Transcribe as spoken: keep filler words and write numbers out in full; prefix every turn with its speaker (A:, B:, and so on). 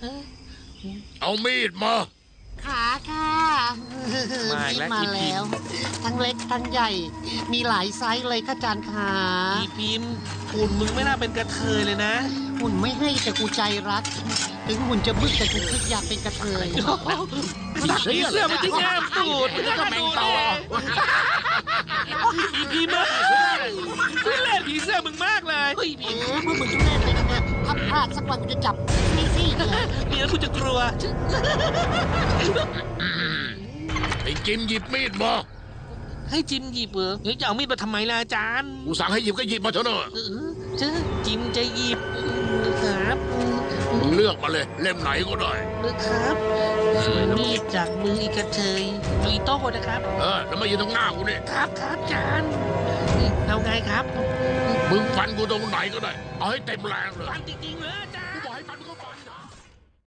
A: เอามีดมา
B: ขาค่ะ
C: มาอีกแล้ว
B: มา
C: อีพิ
B: แล้ว
C: มพ์
B: ทั้งเล็กทั้งใหญ่ มีหลายไซส์เลยค่ะจานขา
C: อีพิมพ์หุ่นมึงไม่น่าเป็นกระเทยเลยนะ
B: หุ่นไม่ให้แต่กูใจรัก ถึงหุ่นจะบึกแต่กูคิดอยากเป็นกระเทย
C: ผีเสื้อมันจะแง้มตูดมันจะกระดูดเลยอีพิมพ์เอ้ยทุเล่นผีเสื้อมึงมากเลยเฮ้ย
B: เอ
C: พิมพ์
B: อพวกมึงทุเรศเลยนะถ้าพลาดสักวันกูจะจับซี่ซี่เลย
C: มีแล้วกูจะกลัว
A: ไอ้จิมหยิบมีดมา
C: ให้จิมหยิบเหรอเฮ้ยจะเอามีดมาทำไมล่ะอาจารย์
A: กูสั่งให้หยิบก็หยิบมาเถอะเนอะ
C: เออเจ้าจิมจะหยิบครับ
A: มึงเลือกมาเลย เล่มไหนก็ได้
C: ครับมีดจากมืออีกระเทยอีโต้นะครับ
A: เออแล้วมายืนตรงหน้ากูนี่
C: ครับครับอาจารย์เอาไงครับ
A: มึงฟันกูตรงไหนก็ได้ เอาให้เต็มแรงเลย
C: ฟันจริงๆเลย